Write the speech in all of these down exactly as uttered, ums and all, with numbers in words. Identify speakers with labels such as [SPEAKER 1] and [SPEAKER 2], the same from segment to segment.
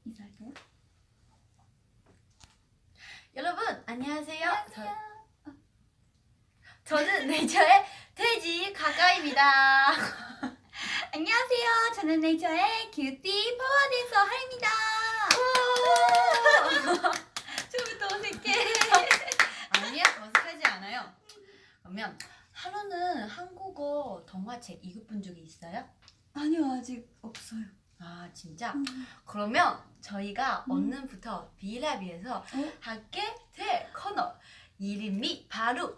[SPEAKER 1] 인사할까요?
[SPEAKER 2] 여러분 안녕하세요.
[SPEAKER 1] 안녕하세요.
[SPEAKER 2] 저, 저는 네이처의 돼지 가까입니다.
[SPEAKER 1] 안녕하세요. 저는 네이처의 큐티 파워댄서 하입니다. 처음부터 어색해.
[SPEAKER 2] 아니야, 어색하지 않아요. 그러면 하루는 한국어 동화책 읽어본 적이 있어요?
[SPEAKER 1] 아니요, 아직 없어요.
[SPEAKER 2] 아 진짜?
[SPEAKER 1] 음.
[SPEAKER 2] 그러면 저희가
[SPEAKER 1] 음.
[SPEAKER 2] 오늘부터 비라비에서
[SPEAKER 1] 어?
[SPEAKER 2] 하게 될 코너 이름이 바로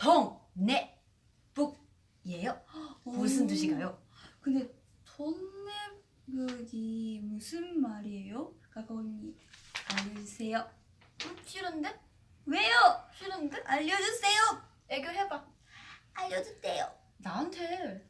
[SPEAKER 2] 동네북이에요. 무슨
[SPEAKER 1] 오.
[SPEAKER 2] 뜻인가요?
[SPEAKER 1] 근데 돈내북이 무슨 말이에요? 가까운이 알려주세요.
[SPEAKER 2] 음, 싫은데?
[SPEAKER 1] 왜요?
[SPEAKER 2] 싫은데?
[SPEAKER 1] 알려주세요.
[SPEAKER 2] 애교해봐.
[SPEAKER 1] 알려주세요.
[SPEAKER 2] 나한테.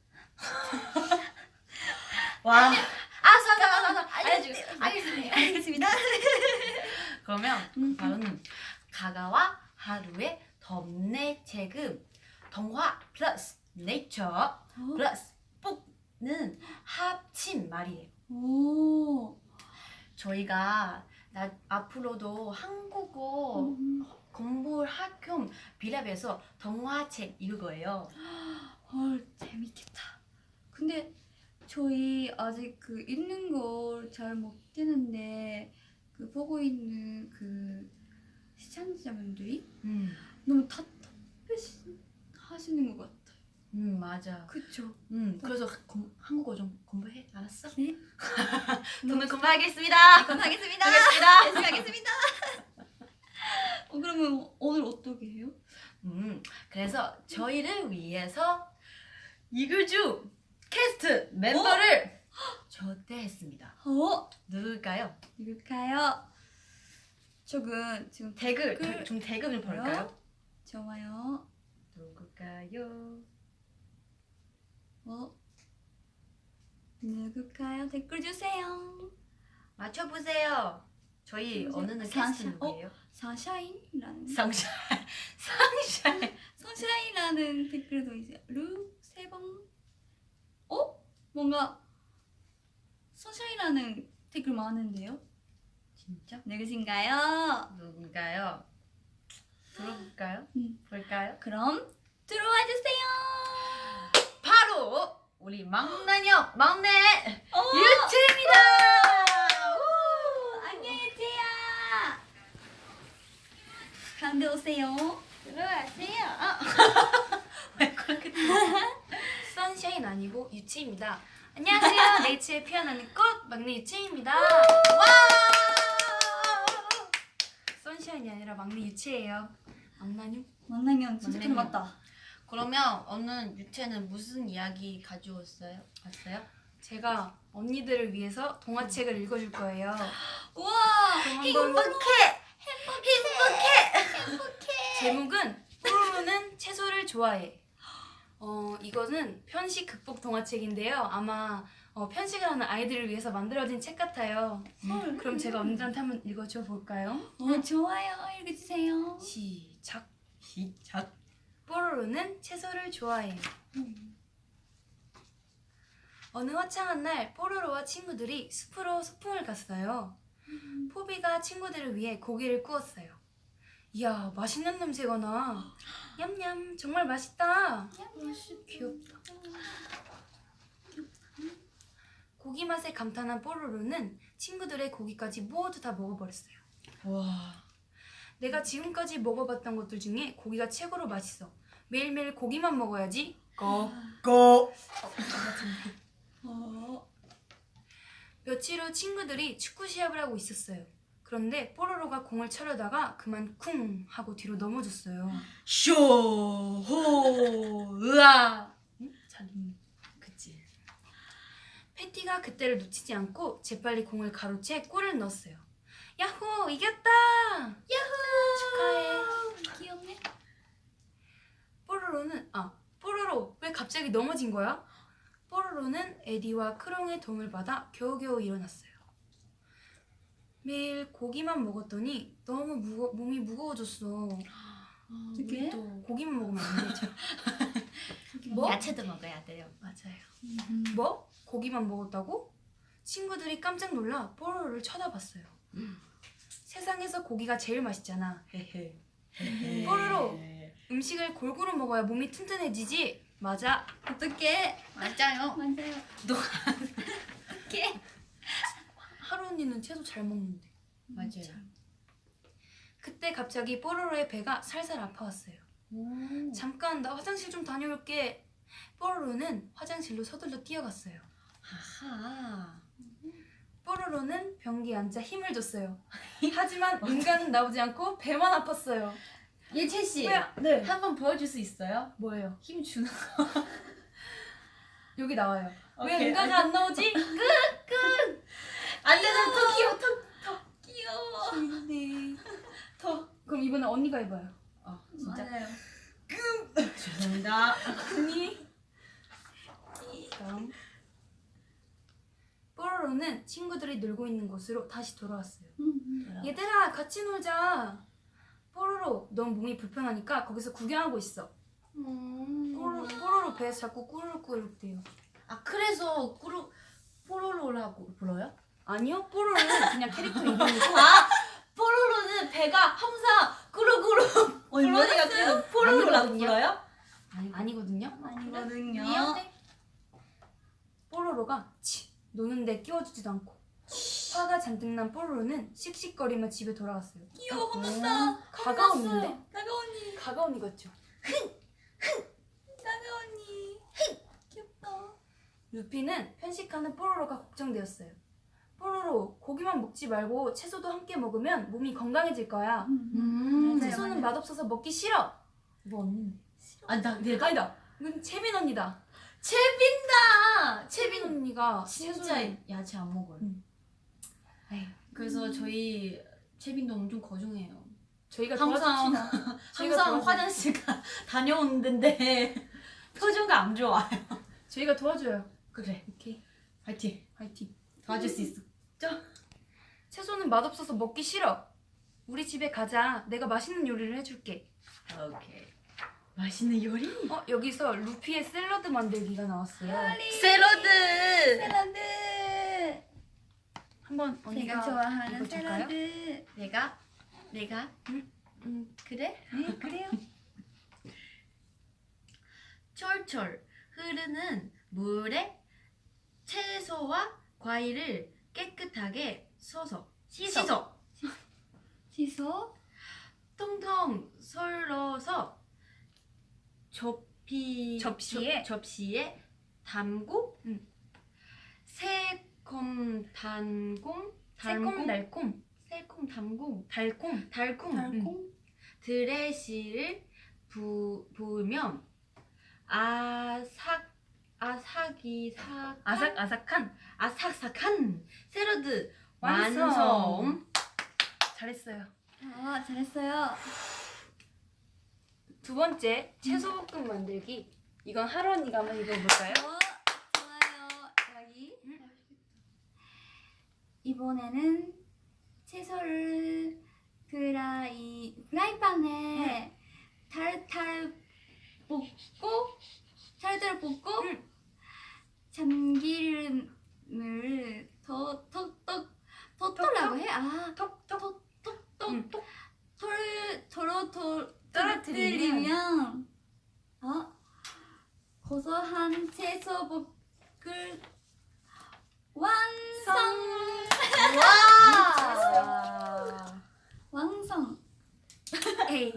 [SPEAKER 2] 와. 아, 사사, 사사, 사. 알려줘. 알겠습니다.
[SPEAKER 1] 알겠습니다.
[SPEAKER 2] 그러면
[SPEAKER 1] 음.
[SPEAKER 2] 바로는 가가와 하루의 덤내책은 동화 플러스 네이처 플러스 북는 합친 말이에요.
[SPEAKER 1] 오.
[SPEAKER 2] 저희가 나, 앞으로도 한국어
[SPEAKER 1] 음.
[SPEAKER 2] 공부할 겸 비랩에서 동화책 읽을 거예요.
[SPEAKER 1] 헐, 재밌겠다. 근데 저희 아직 그 읽는 걸 잘 못되는데 그 보고 있는 그 시청자분들이
[SPEAKER 2] 음,
[SPEAKER 1] 너무 답답하시는 것 같아요.
[SPEAKER 2] 음 맞아.
[SPEAKER 1] 그쵸?
[SPEAKER 2] 음 그래서 공, 한국어 좀 공부해. 알았어?
[SPEAKER 1] 네.
[SPEAKER 2] 오늘 공부하겠습니다.
[SPEAKER 1] 그럼 하겠습니다.
[SPEAKER 2] 하겠습니다.
[SPEAKER 1] 열심히 하겠습니다. 어, 그러면 오늘 어떻게 해요?
[SPEAKER 2] 음, 그래서 저희를 위해서 이글주 캐스트 멤버를 초대했습니다.
[SPEAKER 1] 어?
[SPEAKER 2] 누굴까요?
[SPEAKER 1] 누굴까요? 저는 지금
[SPEAKER 2] 댓글,
[SPEAKER 1] 댓글
[SPEAKER 2] 좀 댓글 좀 볼까요?
[SPEAKER 1] 좋아요.
[SPEAKER 2] 누굴까요?
[SPEAKER 1] 어? 누굴까요? 댓글 주세요.
[SPEAKER 2] 맞춰보세요. 저희
[SPEAKER 1] 누구세요?
[SPEAKER 2] 어느는
[SPEAKER 1] 사샤-
[SPEAKER 2] 캐스트 누구예요?
[SPEAKER 1] 사샤인이라는
[SPEAKER 2] 상샤, 상샤.
[SPEAKER 1] 선샤인이라는 댓글도 있어요. 루세봉. 어? 뭔가 선샤인이라는 댓글 많은데요?
[SPEAKER 2] 진짜?
[SPEAKER 1] 누구신가요?
[SPEAKER 2] 누군가요? 들어볼까요?
[SPEAKER 1] 음.
[SPEAKER 2] 볼까요?
[SPEAKER 1] 그럼 들어와 주세요.
[SPEAKER 2] 바로 우리 막내녀 막내
[SPEAKER 1] 어!
[SPEAKER 2] 유채입니다.
[SPEAKER 1] 오, 안녕 유채야. 가운데 오세요.
[SPEAKER 2] 들어가세요. 아. 왜 그렇게 선샤인 아니고 유치입니다. 안녕하세요. 네이처에 피어나는 꽃 막내 유치입니다. 와! 선샤인이 아니라 막내 유치예요. 막나뇽?
[SPEAKER 1] 만나면 진짜
[SPEAKER 2] 만나면.
[SPEAKER 1] 닮았다.
[SPEAKER 2] 그러면 오늘 유채는 무슨 이야기 가져왔어요? 왔어요?
[SPEAKER 3] 제가 언니들을 위해서 동화책을 읽어줄 거예요.
[SPEAKER 1] 우와,
[SPEAKER 3] 그럼 한번
[SPEAKER 2] 행복해.
[SPEAKER 3] 제목은 뽀로로는 채소를 좋아해. 어 이거는 편식 극복 동화책인데요. 아마 어, 편식을 하는 아이들을 위해서 만들어진 책 같아요.
[SPEAKER 1] 헐.
[SPEAKER 3] 그럼 제가 언니들한테 한번 읽어줘 볼까요?
[SPEAKER 1] 어, 좋아요. 읽어주세요.
[SPEAKER 3] 시작.
[SPEAKER 2] 시작.
[SPEAKER 3] 뽀로로는 채소를 좋아해. 어느 화창한 날 뽀로로와 친구들이 숲으로 소풍을 갔어요. 포비가 친구들을 위해 고기를 구웠어요. 이야, 맛있는 냄새가 나. 냠냠, 정말 맛있다. 귀엽다. 고기 맛에 감탄한 뽀로로는 친구들의 고기까지 모두 다 먹어버렸어요.
[SPEAKER 2] 와.
[SPEAKER 3] 내가 지금까지 먹어봤던 것들 중에 고기가 최고로 맛있어. 매일매일 고기만 먹어야지. 고.
[SPEAKER 2] 고.
[SPEAKER 1] 어,
[SPEAKER 3] 며칠 후 친구들이 축구 시합을 하고 있었어요. 그런데 뽀로로가 공을 차려다가 그만 쿵 하고 뒤로 넘어졌어요.
[SPEAKER 2] 쇼호 으아.
[SPEAKER 3] 응? 잘 읽네. 그치. 패티가 그때를 놓치지 않고 재빨리 공을 가로채 골을 넣었어요. 야호! 이겼다! 축하해.
[SPEAKER 1] 귀엽네.
[SPEAKER 3] 뽀로로는 아 뽀로로 왜 갑자기 넘어진 거야? 뽀로로는 에디와 크롱의 도움을 받아 겨우겨우 일어났어요. 매일 고기만 먹었더니 너무 무거, 몸이 무거워졌어.
[SPEAKER 1] 어떻게?
[SPEAKER 3] 또 고기만 먹으면 안 되죠.
[SPEAKER 1] 뭐?
[SPEAKER 2] 야채도 먹어야 돼요.
[SPEAKER 3] 맞아요.
[SPEAKER 1] 음.
[SPEAKER 3] 뭐? 고기만 먹었다고? 친구들이 깜짝 놀라 뽀로로를 쳐다봤어요. 세상에서 고기가 제일 맛있잖아. 헤헤. 뽀로로, 음식을 골고루 먹어야 몸이 튼튼해지지. 맞아.
[SPEAKER 1] 어떻게?
[SPEAKER 2] 맞아요.
[SPEAKER 1] 맞아요.
[SPEAKER 2] 너
[SPEAKER 1] 어떻게?
[SPEAKER 3] 하루 언니는 채소 잘 먹는데.
[SPEAKER 2] 맞아요.
[SPEAKER 3] 그때 갑자기 뽀로로의 배가 살살 아파왔어요.
[SPEAKER 2] 오.
[SPEAKER 3] 잠깐 나 화장실 좀 다녀올게. 뽀로로는 화장실로 서둘러 뛰어갔어요.
[SPEAKER 2] 아하.
[SPEAKER 3] 뽀로로는 변기에 앉아 힘을 줬어요. 하지만 인간은 나오지 않고 배만 아팠어요.
[SPEAKER 2] 예채 씨,
[SPEAKER 3] 뭐야? 네.
[SPEAKER 2] 한번 보여줄 수 있어요?
[SPEAKER 3] 뭐예요?
[SPEAKER 2] 힘 주는.
[SPEAKER 3] 여기 나와요. 왜
[SPEAKER 2] 오케이.
[SPEAKER 3] 인간이 안 나오지?
[SPEAKER 2] 안 되는 더 귀여워. 더.
[SPEAKER 1] 귀여워.
[SPEAKER 3] 근데 더. 그럼 이번에 언니가 해봐요.
[SPEAKER 2] 어, 진짜.
[SPEAKER 1] 맞아요.
[SPEAKER 2] 죄송합니다.
[SPEAKER 3] 언니. 다음. 뽀로로는 친구들이 놀고 있는 곳으로 다시 돌아왔어요.
[SPEAKER 1] 음.
[SPEAKER 3] 얘들아, 같이 놀자. 뽀로로, 넌 몸이 불편하니까 거기서 구경하고 있어. 뽀로로, 뽀로로 배에서 자꾸 꾸르륵꾸르륵 대요.
[SPEAKER 2] 아 그래서 꾸루 뽀로로라고 불러요?
[SPEAKER 3] 아니요, 뽀로로는 그냥 캐릭터 이름이고.
[SPEAKER 2] 아 뽀로로는 배가 항상 꾸루꾸루 불러니까 그래서 뽀로로라고
[SPEAKER 3] 아니거든요.
[SPEAKER 2] 불러요?
[SPEAKER 3] 아니, 아니거든요.
[SPEAKER 1] 아니거든요.
[SPEAKER 2] 미안해.
[SPEAKER 3] 뽀로로가 치 노는데 끼워주지도 않고. 화가 잔뜩 난 뽀로로는 씩씩거리며 집에 돌아왔어요.
[SPEAKER 1] 귀여워. 혼났다.
[SPEAKER 3] 가가 언니인데?
[SPEAKER 1] 나가 언니.
[SPEAKER 3] 가가 언니 같죠?
[SPEAKER 1] 나가 언니. 귀엽다.
[SPEAKER 3] 루피는 편식하는 뽀로로가 걱정되었어요. 뽀로로, 고기만 먹지 말고 채소도 함께 먹으면 몸이 건강해질 거야.
[SPEAKER 2] 음.
[SPEAKER 1] 맞아요,
[SPEAKER 3] 채소는
[SPEAKER 1] 맞아요.
[SPEAKER 3] 맛없어서 먹기 싫어. 뭐 언니인데?
[SPEAKER 2] 아나 내가
[SPEAKER 3] 아니다. 이건 채빈 언니다.
[SPEAKER 2] 채빈다.
[SPEAKER 3] 채빈 언니가
[SPEAKER 2] 진짜
[SPEAKER 3] 채소를-
[SPEAKER 2] 야채 안 먹어요.
[SPEAKER 3] 음. 에이,
[SPEAKER 2] 그래서 저희 채빈도 엄청 거중해요.
[SPEAKER 3] 저희가
[SPEAKER 2] 항상
[SPEAKER 3] 도와줍시다. 저희가
[SPEAKER 2] 항상
[SPEAKER 3] 도와줘요.
[SPEAKER 2] 화장실 가 다녀오는데 표정가 안 좋아요.
[SPEAKER 3] 저희가 도와줘요.
[SPEAKER 2] 그래.
[SPEAKER 3] 오케이.
[SPEAKER 2] 파이팅.
[SPEAKER 3] 화이팅.
[SPEAKER 2] 도와줄 수 있어.
[SPEAKER 3] 채소는 맛없어서 먹기 싫어. 우리 집에 가자. 내가 맛있는 요리를 해줄게.
[SPEAKER 2] 오케이. 맛있는 요리?
[SPEAKER 3] 어, 여기서 루피의 샐러드 만들기가 나왔어요.
[SPEAKER 2] 샐러드.
[SPEAKER 1] 샐러드.
[SPEAKER 3] 한번 언니가
[SPEAKER 1] 제가 좋아하는
[SPEAKER 3] 이거 줄까요?
[SPEAKER 1] 샐러드.
[SPEAKER 2] 내가 내가
[SPEAKER 3] 응?
[SPEAKER 2] 음 그래?
[SPEAKER 1] 네, 그래요.
[SPEAKER 2] 철철 흐르는 물에 채소와 과일을 깨끗하게 써서
[SPEAKER 3] 씻어.
[SPEAKER 2] 씻어
[SPEAKER 1] 시소.
[SPEAKER 2] 통통 썰어서 접히
[SPEAKER 3] 접시에?
[SPEAKER 2] 접, 접시에 담고
[SPEAKER 3] 응.
[SPEAKER 2] 새콤 달콤 달콤
[SPEAKER 3] 새콤달콤
[SPEAKER 2] 새콤 달콤
[SPEAKER 3] 달콤
[SPEAKER 2] 달콤
[SPEAKER 1] 달콤.
[SPEAKER 2] 드레시를 부, 부으면 아삭 아삭이 삭
[SPEAKER 3] 아삭아삭한
[SPEAKER 2] 아삭삭한 샐러드
[SPEAKER 3] 완성.
[SPEAKER 2] 완성.
[SPEAKER 3] 잘했어요.
[SPEAKER 1] 아, 잘했어요.
[SPEAKER 3] 두 번째 채소볶음 만들기. 이건 하루 언니가 한번 읽어볼까요?
[SPEAKER 1] 어, 좋아요. 여기. 이번에는 채소를 프라이 프라이팬에 타르타르 볶고 타르타르 볶고
[SPEAKER 3] 응.
[SPEAKER 1] 참기름을 더톡톡 토토라고 해? 아,
[SPEAKER 3] 톡톡
[SPEAKER 1] 톡톡톡 털 토로토
[SPEAKER 3] 떨어뜨리면
[SPEAKER 1] 떨어뜨리면 어 고소한 채소 볶을 완성.
[SPEAKER 2] 와.
[SPEAKER 1] 완성.
[SPEAKER 3] 에이.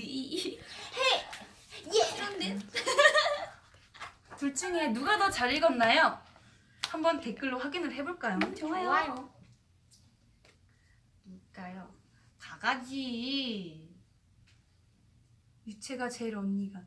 [SPEAKER 1] 그런데
[SPEAKER 3] 둘 중에 누가 더 잘 읽었나요? 한번 댓글로 확인을 해볼까요?
[SPEAKER 1] 좋아요.
[SPEAKER 2] 누굴까요? 가가지.
[SPEAKER 3] 유채가 제일 언니가.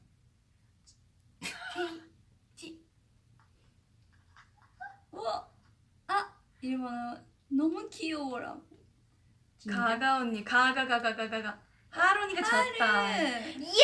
[SPEAKER 1] 우와. 아, 일본어 너무 귀여워라고.
[SPEAKER 3] 가가 언니. 가가가가가가가. 하루 언니가 졌다.
[SPEAKER 1] 네.
[SPEAKER 2] 예!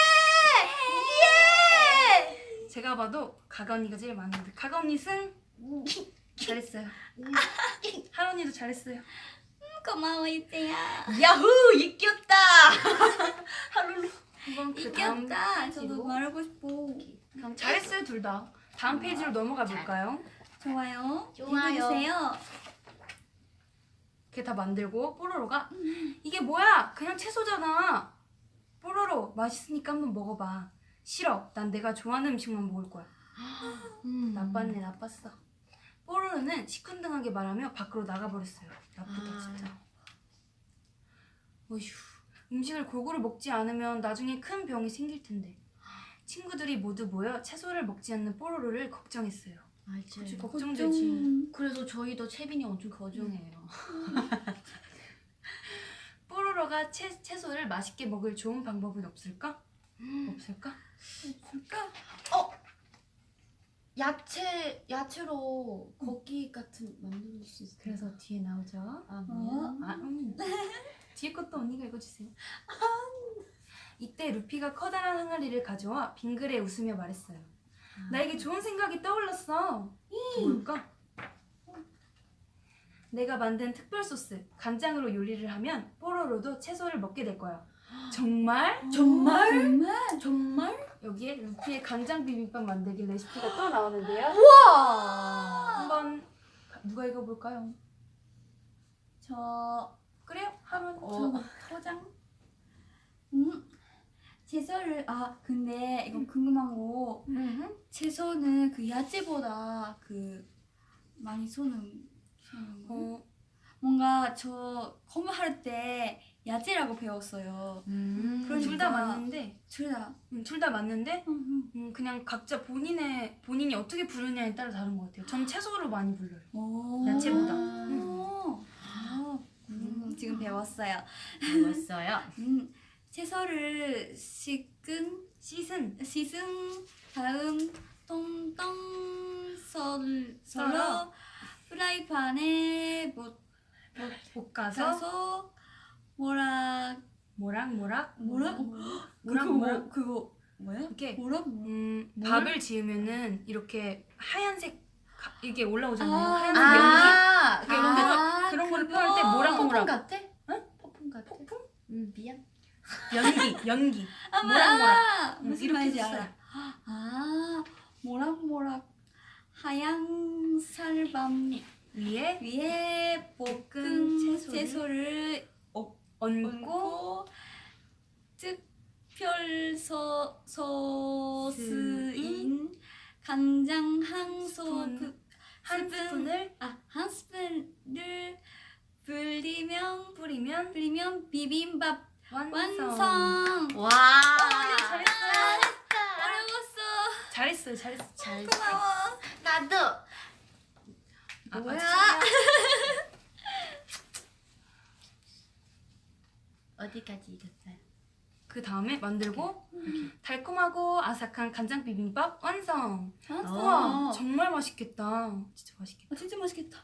[SPEAKER 2] 예!
[SPEAKER 3] 제가 봐도 가가 언니가 제일 많은데 가가 언니 승. 잘했어요. 하루 언니도 잘했어요.
[SPEAKER 1] 고마워 이때야.
[SPEAKER 2] 야후 이겼다.
[SPEAKER 3] 하루로 한번 그 다음
[SPEAKER 1] 이겼다.
[SPEAKER 3] 페이지로.
[SPEAKER 1] 저도 말하고 싶어.
[SPEAKER 3] 그럼 잘했어요 둘 다. 다음 페이지로 넘어가 볼까요?
[SPEAKER 1] 좋아요.
[SPEAKER 2] 좋아요.
[SPEAKER 1] 읽어주세요.
[SPEAKER 3] 그게 다 만들고 뽀로로가 이게 뭐야? 그냥 채소잖아. 뽀로로 맛있으니까 한번 먹어봐. 싫어. 난 내가 좋아하는 음식만 먹을 거야.
[SPEAKER 2] 음.
[SPEAKER 3] 나빴네 나빴어. 뽀로로는 시큰둥하게 말하며 밖으로 나가버렸어요. 나쁘다
[SPEAKER 2] 아.
[SPEAKER 3] 진짜. 어휴, 음식을 골고루 먹지 않으면 나중에 큰 병이 생길 텐데. 친구들이 모두 모여 채소를 먹지 않는 뽀로로를 걱정했어요.
[SPEAKER 2] 알지.
[SPEAKER 3] 그치, 걱정되지.
[SPEAKER 2] 그래서 저희도 채빈이 엄청 거정해요.
[SPEAKER 3] 뽀로로가 채, 채소를 맛있게 먹을 좋은 방법은 없을까? 없을까?
[SPEAKER 1] 줄까?
[SPEAKER 2] 야채 야채로 고기 같은 만들 수 있어요.
[SPEAKER 3] 그래서 뒤에 나오죠.
[SPEAKER 2] 아,
[SPEAKER 1] 어?
[SPEAKER 2] 뭐야?
[SPEAKER 3] 아, 음. 뒤에 것도 언니가 읽어주세요. 이때 루피가 커다란 항아리를 가져와 빙그레 웃으며 말했어요. 나에게 좋은 생각이 떠올랐어. 뭘까? 내가 만든 특별 소스 간장으로 요리를 하면 뽀로로도 채소를 먹게 될 거야. 정말?
[SPEAKER 2] 정말?
[SPEAKER 1] 정말?
[SPEAKER 2] 정말?
[SPEAKER 3] 여기에 루피의 간장 비빔밥 만들기 레시피가 또 나오는데요.
[SPEAKER 2] 우와!
[SPEAKER 3] 한번 누가 읽어볼까요?
[SPEAKER 1] 저
[SPEAKER 3] 그래요? 하면
[SPEAKER 2] 어.
[SPEAKER 3] 포장.
[SPEAKER 1] 음. 채소를 아 근데 이거 궁금한 거
[SPEAKER 3] 음.
[SPEAKER 1] 채소는 그 야채보다 그 많이 쏘는 쏘는 거
[SPEAKER 3] 어,
[SPEAKER 1] 뭔가 저 공부할 때 야채라고 배웠어요.
[SPEAKER 2] 음.
[SPEAKER 1] 그러니까-
[SPEAKER 3] 둘 다 맞는데,
[SPEAKER 1] 둘다
[SPEAKER 3] 음, 둘 다 맞는데,
[SPEAKER 1] 음,
[SPEAKER 3] 음, 그냥 각자 본인의 본인이 어떻게 부르냐에 따라 다른 것 같아요. 전 채소로 많이 불러요.
[SPEAKER 1] 오.
[SPEAKER 3] 야채보다.
[SPEAKER 1] 오. 아, 음, 지금 배웠어요.
[SPEAKER 2] 배웠어요.
[SPEAKER 1] 음, 채소를 씻은
[SPEAKER 3] 씻은
[SPEAKER 1] 씻은 다음 동동 썰
[SPEAKER 3] 썰어.
[SPEAKER 1] 썰어 프라이팬에 못
[SPEAKER 3] 볶아서
[SPEAKER 1] 가서 뭐라
[SPEAKER 3] 모락 모락
[SPEAKER 1] 뭐라
[SPEAKER 3] 모락
[SPEAKER 1] 그거
[SPEAKER 3] 모락
[SPEAKER 1] 뭐, 그거 뭐야?
[SPEAKER 3] 이렇게
[SPEAKER 1] 뭐라 뭐?
[SPEAKER 3] 음,
[SPEAKER 1] 뭘?
[SPEAKER 3] 밥을 지으면은 이렇게 하얀색 가- 이게 올라오잖아요.
[SPEAKER 1] 아.
[SPEAKER 3] 하얀색 연기.
[SPEAKER 2] 아,
[SPEAKER 3] 그게 이런 거- 그런 거를 표현할 때 뭐랑
[SPEAKER 2] 폭풍
[SPEAKER 3] 뭐랑
[SPEAKER 2] 같아?
[SPEAKER 3] 응?
[SPEAKER 2] 폭풍 같아?
[SPEAKER 3] 폭풍?
[SPEAKER 2] 음, 미안.
[SPEAKER 3] 연기 연기.
[SPEAKER 1] 아,
[SPEAKER 3] 뭐랑
[SPEAKER 1] 아,
[SPEAKER 3] 응,
[SPEAKER 1] 무슨
[SPEAKER 3] 이렇게
[SPEAKER 1] 말인지
[SPEAKER 3] 썼어요.
[SPEAKER 1] 알아. 아, 모락모락 하얀 살밤
[SPEAKER 3] 위에
[SPEAKER 1] 위에
[SPEAKER 3] 볶은
[SPEAKER 1] 볶은
[SPEAKER 3] 채소를
[SPEAKER 1] 채소를
[SPEAKER 3] 얹고
[SPEAKER 1] 얹고 특별 소, 소스인 간장 한
[SPEAKER 3] 스푼,
[SPEAKER 1] 소스
[SPEAKER 3] 한 스푼을
[SPEAKER 1] 아, 한 스푼을 불리면
[SPEAKER 3] 뿌리면
[SPEAKER 1] 불리면 비빔밥
[SPEAKER 3] 완성.
[SPEAKER 1] 완성.
[SPEAKER 2] 와.
[SPEAKER 3] 잘했어요.
[SPEAKER 1] 어려웠어.
[SPEAKER 3] 잘했어요. 잘했어.
[SPEAKER 2] 잘.
[SPEAKER 1] 고마워.
[SPEAKER 2] 나도.
[SPEAKER 3] 아,
[SPEAKER 1] 뭐야?
[SPEAKER 3] 맞추세요.
[SPEAKER 2] 어디까지 읽었어요?
[SPEAKER 3] 그 다음에 만들고 달콤하고 아삭한 간장 비빔밥 완성. 우와, 정말 맛있겠다. 진짜 맛있겠다.
[SPEAKER 1] 아, 진짜 맛있겠다.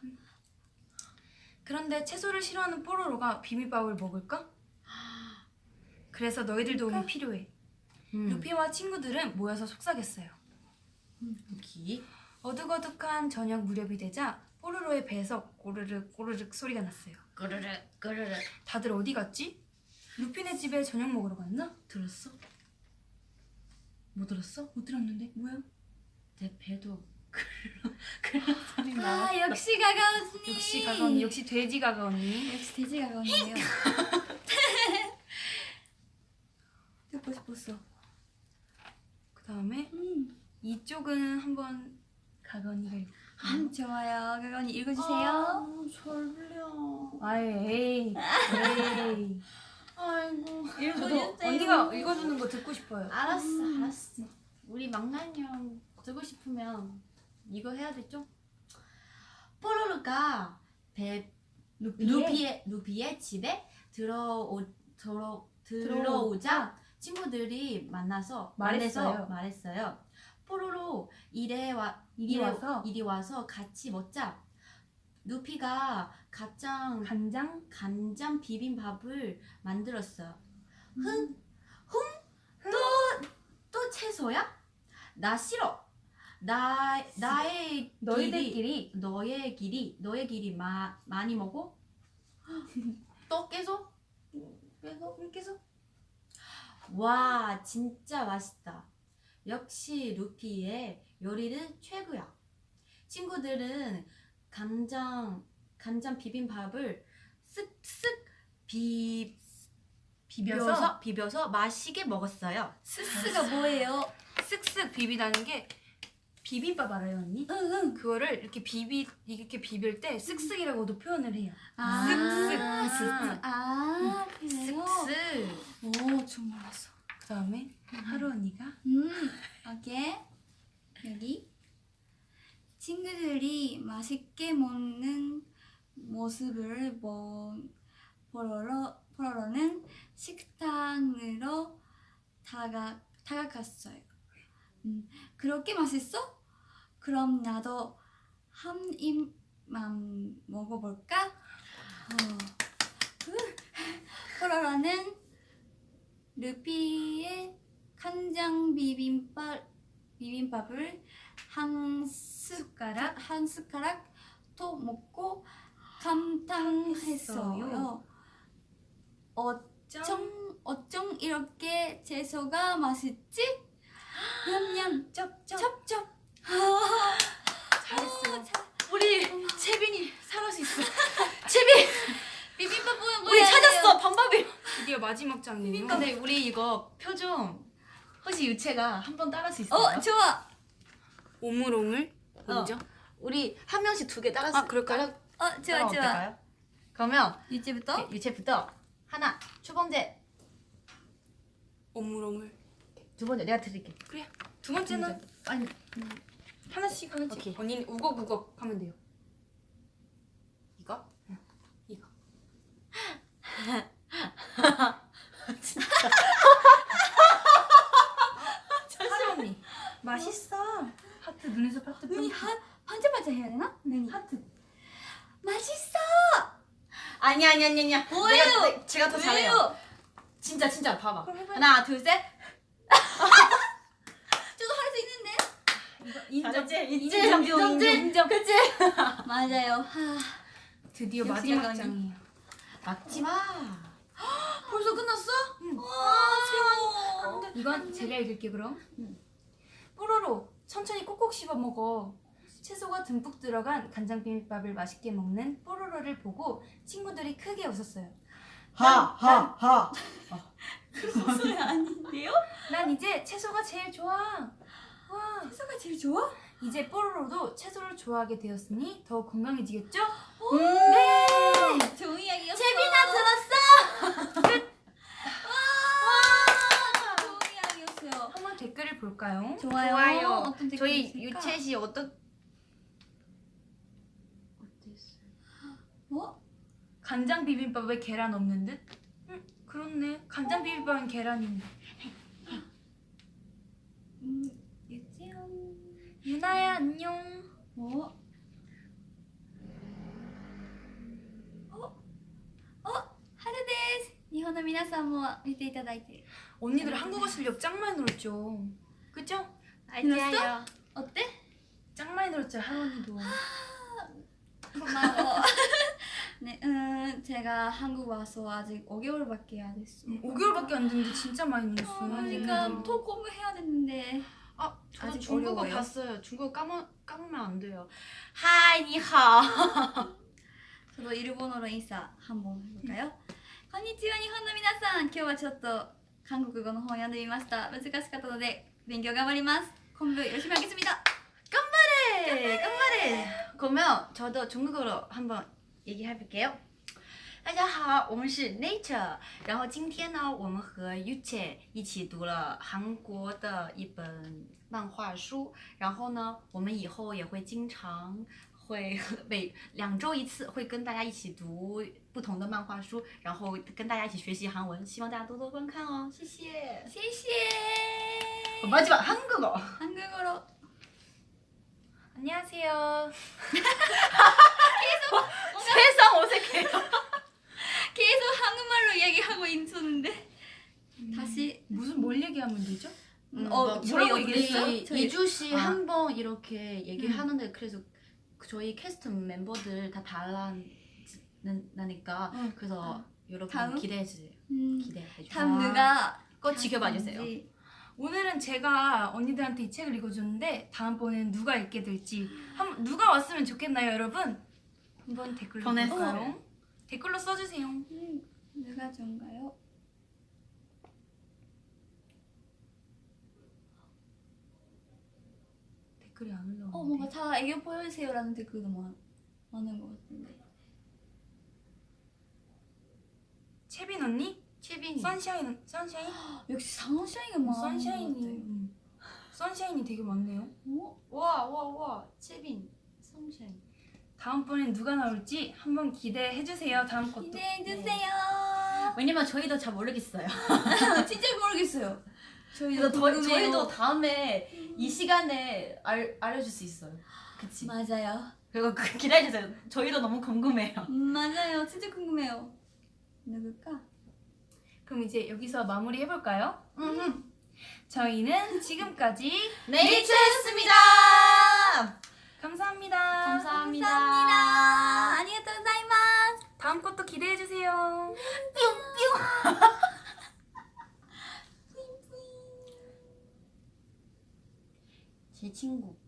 [SPEAKER 3] 그런데 채소를 싫어하는 뽀로로가 비빔밥을 먹을까? 그래서 너희들 도움이 필요해.
[SPEAKER 2] 음.
[SPEAKER 3] 루피와 친구들은 모여서 속삭였어요.
[SPEAKER 2] 여기.
[SPEAKER 3] 어둑어둑한 저녁 무렵이 되자 뽀로로의 배에서 꼬르륵 꼬르륵 소리가 났어요.
[SPEAKER 2] 꼬르르 꼬르르.
[SPEAKER 3] 다들 어디 갔지? 루피네 집에 저녁 먹으러 갔나?
[SPEAKER 2] 들었어?
[SPEAKER 3] 못 들었어? 못 들었는데 뭐야?
[SPEAKER 2] 내 배도
[SPEAKER 3] 그런 소리
[SPEAKER 1] 아, 역시 가가 언니.
[SPEAKER 3] 역시 가가 언니, 역시 돼지 가가 언니.
[SPEAKER 1] 역시 돼지 가가 언니요. 듣고 싶었어.
[SPEAKER 3] 그 다음에
[SPEAKER 1] 음.
[SPEAKER 3] 이쪽은 한번 가가 언니가 읽.
[SPEAKER 1] 음, 좋아요. 가가 언니 읽어주세요.
[SPEAKER 2] 아, 설레요.
[SPEAKER 3] 아이, 에이, 에이.
[SPEAKER 2] 아이고.
[SPEAKER 3] 저도 언니가 읽어주는 거 듣고 싶어요.
[SPEAKER 2] 알았어, 알았어. 우리 망나뇽 듣고 싶으면 이거 해야 되죠? 뽀로로가 배
[SPEAKER 3] 루피의,
[SPEAKER 2] 루피의 루피의 집에 들어오 들어 들어오자 친구들이 만나서
[SPEAKER 3] 말했어요.
[SPEAKER 2] 만나서 말했어요. 뽀로로 이래 와
[SPEAKER 3] 이리
[SPEAKER 2] 이래-
[SPEAKER 3] 와서
[SPEAKER 2] 이리 와서 같이 먹자. 루피가 가장
[SPEAKER 3] 간장
[SPEAKER 2] 간장 비빔밥을 만들었어요.
[SPEAKER 3] 음.
[SPEAKER 2] 흥, 흥, 또, 또 채소야? 나 싫어. 나, 나의
[SPEAKER 3] 너희들끼리
[SPEAKER 2] 길이, 너의 길이, 너의 길이 마, 많이 먹어? 또 계속? 계속?
[SPEAKER 3] 계속
[SPEAKER 2] 와, 진짜 맛있다. 역시 루피의 요리는 최고야. 친구들은 간장 간장 비빔밥을 쓱쓱 비 비벼서 비벼서 맛있게 먹었어요.
[SPEAKER 1] 스스가 뭐예요?
[SPEAKER 3] 쓱쓱 비비다는 게 비빔밥 알아요 언니?
[SPEAKER 1] 응응.
[SPEAKER 3] 그거를 이렇게 비비 이렇게 비빌 때 쓱쓱이라고도 표현을 해요.
[SPEAKER 1] 아,
[SPEAKER 3] 쓱쓱.
[SPEAKER 1] 쓱쓱. 아, 그래요?
[SPEAKER 2] 쓱쓱.
[SPEAKER 1] 오, 좀 몰랐어.
[SPEAKER 3] 그 다음에 하루 언니가
[SPEAKER 1] 음, 오케이. 여기 친구들이 맛있게 먹는 모습을 보, 보러, 보러는 식당으로 다가, 다가갔어요. 음, 그렇게 맛있어? 그럼 나도 한 입만 먹어볼까? 어. 포로로는 루피의 간장 비빔밥 비빔밥을 한 숟가락 한 숟가락 더 먹고 감탄했어요. 어쩜 어쩜 이렇게 채소가 맛있지? 냠냠
[SPEAKER 3] 쩝쩝
[SPEAKER 1] 첩첩.
[SPEAKER 3] 잘했어.
[SPEAKER 2] 우리 채빈이 살할 수 있어.
[SPEAKER 1] 비빔밥 보면
[SPEAKER 2] 우리 찾았어 방법이.
[SPEAKER 3] 드디어 마지막 장이에요.
[SPEAKER 2] 근데 우리 이거 표정 혹시 유채가 한 번 따라할 수 있어요?
[SPEAKER 1] 어 좋아.
[SPEAKER 3] 오물오물 먼저.
[SPEAKER 2] 우리 한 명씩 두 개 따라.
[SPEAKER 3] 아, 그럴까요?
[SPEAKER 1] 어 좋아 좋아.
[SPEAKER 2] 어떨까요? 그러면
[SPEAKER 1] 유채부터.
[SPEAKER 2] 유채부터 하나, 첫 번째,
[SPEAKER 3] 오물오물.
[SPEAKER 2] 두 번째 내가 드릴게.
[SPEAKER 3] 그래. 두 번째는
[SPEAKER 2] 아니
[SPEAKER 3] 하나씩 하나씩.
[SPEAKER 2] 오케이.
[SPEAKER 3] 언니는 우걱우걱 하면 돼요. 이거? 응. 이거. 하루 언니. 맛있어. 하트 눈에서 하트
[SPEAKER 1] 눈이
[SPEAKER 3] 뿅.
[SPEAKER 1] 한 반짝반짝 해야 되나? 눈이
[SPEAKER 3] 하트.
[SPEAKER 1] 맛있어.
[SPEAKER 2] 아니 아니 아니 아니야.
[SPEAKER 1] 뭐예요?
[SPEAKER 2] 내가, 내, 제가 더 잘해요.
[SPEAKER 1] 왜요?
[SPEAKER 2] 진짜 진짜 봐봐.
[SPEAKER 3] 그럼 해봐요.
[SPEAKER 2] 하나, 둘, 셋.
[SPEAKER 1] 저도 할 수 있는데.
[SPEAKER 2] 인정,
[SPEAKER 3] 잘했지?
[SPEAKER 2] 인정, 인정, 인정, 인정. 그치?
[SPEAKER 1] 맞아요. 하.
[SPEAKER 3] 드디어
[SPEAKER 1] 역시
[SPEAKER 3] 마지막
[SPEAKER 1] 영광이.
[SPEAKER 3] 장이에요.
[SPEAKER 2] 막지 마. 벌써 끝났어?
[SPEAKER 1] 와,
[SPEAKER 3] 이건 제가 읽을게 그럼. 뽀로로 천천히 꼭꼭 씹어 먹어. 채소가 듬뿍 들어간 간장 비빔밥을 맛있게 먹는 뽀로로를 보고 친구들이 크게 웃었어요.
[SPEAKER 2] 하하하.
[SPEAKER 1] 그런 소리 아닌데요?
[SPEAKER 3] 난 이제 채소가 제일 좋아. 와,
[SPEAKER 1] 채소가 제일 좋아?
[SPEAKER 3] 이제 뽀로로도 채소를 좋아하게 되었으니 더욱 건강해지겠죠?
[SPEAKER 1] 네. 좋은 이야기였어.
[SPEAKER 2] 채빈아 들었어?
[SPEAKER 1] 와, 좋은 이야기였어요.
[SPEAKER 3] 한번 댓글을 볼까요?
[SPEAKER 1] 좋아요.
[SPEAKER 2] 좋아요.
[SPEAKER 1] 어떤 댓글이
[SPEAKER 2] 저희
[SPEAKER 1] 있을까?
[SPEAKER 2] 유채 씨 어떤?
[SPEAKER 1] 어?
[SPEAKER 3] 간장 비빔밥에 계란 없는 듯? 응, 그렇네. 간장 비빔밥은 계란인데.
[SPEAKER 1] 음, 유채연.
[SPEAKER 3] 유나야 안녕.
[SPEAKER 1] 어? 어? 어? 하루 데스. 일본の皆さんも見ていただいて
[SPEAKER 3] 언니들 한국어 실력 짱 많이 늘었죠. 그죠?
[SPEAKER 1] 늘었어? 어때?
[SPEAKER 3] 짱 많이 늘었죠 하루 언니도.
[SPEAKER 1] 고마워. 네, 음, 제가 한국 와서 아직 오 개월밖에 안 됐어.
[SPEAKER 3] 오 개월밖에 안 됐는데 진짜 많이 늘었어.
[SPEAKER 1] 어, 그러니까 더 공부해야 되는데.
[SPEAKER 2] 아, 저
[SPEAKER 1] 아직
[SPEAKER 2] 중국어
[SPEAKER 1] 어려워요?
[SPEAKER 2] 봤어요. 중국어 까먹 까먹으면 안 돼요. 하이 니하오.
[SPEAKER 1] 저도 일본어로 인사 한번 해볼까요? こんにちは日本の皆さん。今日はちょっと韓国語の本を読んでみました。難しかったので勉強頑張ります。 공부 열심히 하겠습니다.
[SPEAKER 2] 깜발해, 깜발해. 그러면 저도 중국어로 한번 얘기해볼게요. 大家好，我们是 Nature。然后今天呢，我们和 Yuche 一起读了韩国的一本漫画书。然后呢，我们以后也会经常会每两周一次会跟大家一起读不同的漫画书，然后跟大家一起学习韩文。希望大家多多观看哦，谢谢。
[SPEAKER 1] 시시해.
[SPEAKER 2] 마지막 한국어.
[SPEAKER 1] 한국어로.
[SPEAKER 3] 안녕하세요.
[SPEAKER 2] 세상 어색해요.
[SPEAKER 1] 계속 한국말로 이야기하고 있었는데 다시
[SPEAKER 3] 무슨 뭘 얘기하면 되죠?
[SPEAKER 1] 음,
[SPEAKER 2] 음,
[SPEAKER 1] 어
[SPEAKER 2] 막
[SPEAKER 1] 저희
[SPEAKER 2] 뭐라고
[SPEAKER 1] 얘기했어?
[SPEAKER 2] 우리
[SPEAKER 1] 저희
[SPEAKER 2] 이주 씨
[SPEAKER 1] 아.
[SPEAKER 2] 한 번 이렇게 얘기하는데 그래서 그 저희 캐스트 멤버들 다 달라니까
[SPEAKER 1] 응.
[SPEAKER 2] 그래서 여러분
[SPEAKER 1] 다음?
[SPEAKER 2] 기대해 주세요.
[SPEAKER 1] 음,
[SPEAKER 2] 기대해 주세요.
[SPEAKER 1] 다음 누가
[SPEAKER 2] 꼭 지켜봐 주세요.
[SPEAKER 1] 하는지.
[SPEAKER 3] 오늘은 제가 언니들한테 이 책을 읽어줬는데 다음번에는 누가 읽게 될지 한 누가 왔으면 좋겠나요, 여러분? 한번 댓글로
[SPEAKER 2] 보내세요.
[SPEAKER 3] 볼까요? 댓글로 써주세요.
[SPEAKER 1] 음, 누가 좋은가요?
[SPEAKER 3] 댓글이 안 올라오는데.
[SPEAKER 1] 어 뭔가 다 애교 보여주세요라는 댓글도 많, 많은 것 같은데.
[SPEAKER 3] 채빈 언니?
[SPEAKER 2] 채빈이.
[SPEAKER 3] 선샤인 선샤인?
[SPEAKER 1] 역시 상샤이가 많은
[SPEAKER 3] 선샤인이
[SPEAKER 1] 것 같아요.
[SPEAKER 3] 음. 선샤인이 되게 많네요.
[SPEAKER 1] 어?
[SPEAKER 2] 와, 와, 와. 채빈. 성샤인.
[SPEAKER 3] 다음번엔 누가 나올지 한번 기대해 주세요. 다음 것도.
[SPEAKER 1] 기대해
[SPEAKER 3] 네.
[SPEAKER 1] 주세요.
[SPEAKER 2] 왜냐면 저희도 잘 모르겠어요.
[SPEAKER 1] 진짜 모르겠어요. 저희도
[SPEAKER 2] 그래서 저,
[SPEAKER 1] 궁금해요.
[SPEAKER 2] 저희도 다음에 이 시간에 알, 알려줄 수 있어요. 그치?
[SPEAKER 1] 맞아요.
[SPEAKER 2] 그리고 그, 기다려주세요. 저희도 너무 궁금해요.
[SPEAKER 1] 음, 맞아요. 진짜 궁금해요. 누굴까?
[SPEAKER 3] 그럼 이제 여기서 마무리 해볼까요?
[SPEAKER 2] 음.
[SPEAKER 3] 저희는 지금까지
[SPEAKER 2] 네이처였습니다.
[SPEAKER 3] 감사합니다.
[SPEAKER 2] 감사합니다.
[SPEAKER 1] 감사합니다. 아리가또 고자이마스.
[SPEAKER 3] 다음 것도 기대해 주세요.
[SPEAKER 2] 제 친구.